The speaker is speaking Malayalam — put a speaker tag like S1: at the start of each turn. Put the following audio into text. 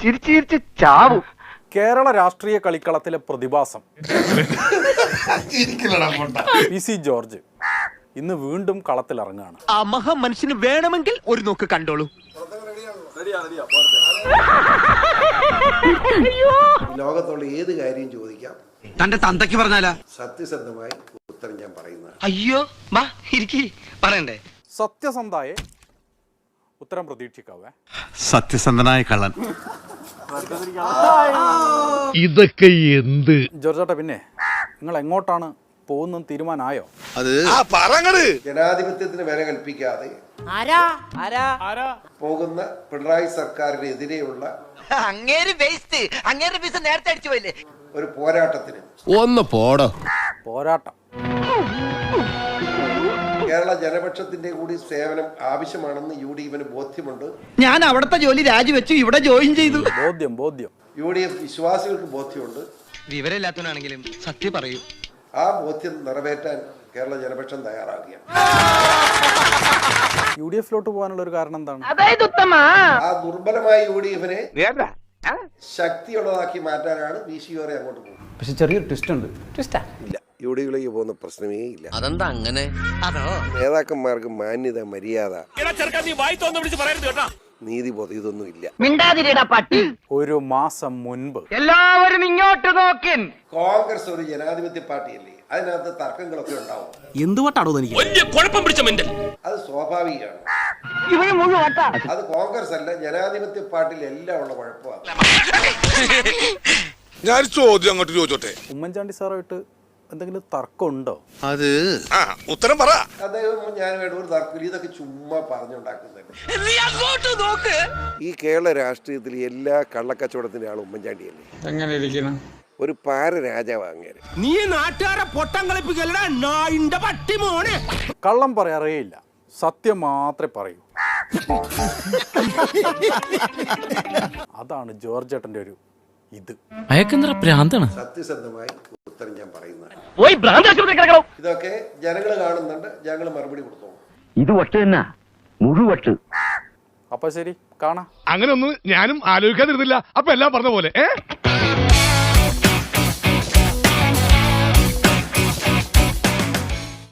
S1: ചിരിച്ച് ചിരിച്ച് ചാവും.
S2: കേരള രാഷ്ട്രീയ കളിക്കളത്തിലെ പ്രതിഭാസം PC ജോർജ് ഇന്ന് വീണ്ടും കളത്തിലിറങ്ങുകയാണ്.
S1: ആ മഹാമനുഷ്യന് വേണമെങ്കിൽ ഒരു നോക്ക് കണ്ടോളൂ.
S3: ലോകത്തുള്ള ഏത് കാര്യം ചോദിക്കാം,
S1: തന്റെ തന്തയ്ക്ക് പറഞ്ഞാലാ
S3: സത്യസന്ധമായി ഉത്തരം ഞാൻ പറയുന്നത്.
S1: അയ്യോ മാ ഇരിക്കി പറയണ്ടേ.
S2: സത്യസന്ധയെ ഉത്തരം പ്രതീക്ഷിക്കാവേ.
S4: സത്യസന്ധനായ കള്ളൻ.
S5: ഇതൊക്കെ എന്ത്
S2: ജോർജേട്ടാ, പിന്നെ നിങ്ങൾ എങ്ങോട്ടാണ് പോകുന്നത് തീരുമാനമായോ?
S3: ജനാധിപത്യത്തിന് വില കൽപ്പിക്കാതെ പോകുന്ന പിണറായി സർക്കാരിനെതിരെയുള്ള ഒരു പോരാട്ടത്തിന്
S5: ഒന്ന് പോടോ.
S2: പോരാട്ടം.
S3: കേരള ജനപക്ഷത്തിന്റെ കൂടി സേവനം ആവശ്യമാണെന്ന് UDF ബോധ്യമുണ്ട്.
S1: ഞാൻ അവിടുത്തെ ജോലി രാജിവെച്ചു ഇവിടെ ജോയിൻ ചെയ്തു.
S2: ബോധ്യം.
S3: UDF വിശ്വാസികൾക്ക് ബോധ്യമുണ്ട്.
S1: വിവരമില്ലാത്തവനാണെങ്കിലും സത്യം പറയൂ.
S3: ആ ബോധ്യം നിറവേറ്റാൻ കേരള ജനപക്ഷം തയ്യാറാകുകയാണ്.
S2: UDF-ലോട്ട് പോകാനുള്ള ഒരു കാരണം എന്താണ്?
S3: ആ ദുർബലമായ UDF ശക്തിയുള്ളതാക്കി മാറ്റാനാണ് VCOറെ അങ്ങോട്ട് പോകുന്നത്.
S2: പക്ഷെ ചെറിയൊരു ട്വിസ്റ്റ് ഉണ്ട്.
S3: ഇല്ല, UDF-ലേക്ക് പോകുന്ന പ്രശ്നമേ ഇല്ല.
S1: അതെന്താ അങ്ങനെ? അതോ
S3: നേതാക്കന്മാർക്ക് മാന്യത, മര്യാദ, നീതിബോധം ഇതൊന്നും ഇല്ല.
S1: മിണ്ടാതിരിടാ പട്ടി.
S2: ഒരു മാസം മുൻപ്
S1: എല്ലാവരും ഇങ്ങോട്ട് നോക്കിൻ.
S3: കോൺഗ്രസ് ഒരു ജനാധിപത്യ പാർട്ടിയല്ലേ, അതിനകത്ത് തർക്കങ്ങളൊക്കെ ഉണ്ടാവും.
S6: എന്തുകൊണ്ടാണോ എനിക്ക്
S3: അത് സ്വാഭാവികമാണ്. അത് കോൺഗ്രസ് അല്ല, ജനാധിപത്യ പാർട്ടിയിൽ എല്ലാം ഉള്ള കുഴപ്പമാണ്.
S4: ഞാൻ ചോദ്യം അങ്ങോട്ട് ചോദിച്ചോട്ടെ.
S2: ഉമ്മൻചാണ്ടി സാറായിട്ട് എന്തെങ്കിലും തർക്കമുണ്ടോ?
S4: അത് ഉത്തരം പറ.
S3: അദ്ദേഹം ഞാനുമായിട്ട് ഒരു തർക്കം, ഇതൊക്കെ ചുമ്മാ പറഞ്ഞുണ്ടാക്കുന്നത്. ഈ കേരള രാഷ്ട്രീയത്തിൽ എല്ലാ കള്ളക്കച്ചവടത്തിന്റെ ആൾ ഉമ്മൻചാണ്ടിയല്ലേ.
S5: എങ്ങനെ ഇരിക്കണം?
S3: ഒരു പാര രാജാവ് അങ്ങനെ.
S6: നീ നാട്ടുകാരെ പൊട്ടം കളിപ്പിക്കലടാ നായിന്റെ പട്ടി മോനെ.
S2: കള്ളം പറയാറേയില്ല, സത്യം മാത്രമേ പറയൂ. അതാണ് ജോർജേട്ടന്റെ ഒരു ഇത്.
S6: അയക്കെന്തറ പ്രാന്താണ്.
S3: സത്യസന്ധമായി ഉത്തരം ഞാൻ പറയുന്നത്.
S1: പോയി ഭ്രാന്താശുപത്രി കിടക്കണം.
S3: ഇതൊക്കെ ജനങ്ങൾ കാണുന്നുണ്ട്, ഞങ്ങൾ മറുപടി കൊടുത്തു.
S1: ഇത് ഒട്ട് തന്നെ മുഴുവട്ട്.
S2: അപ്പൊ ശരി, കാണാം.
S5: അങ്ങനെ ഒന്നും ഞാനും ആലോചിക്കാതിരുന്നില്ല. അപ്പൊ എല്ലാം പറഞ്ഞ പോലെ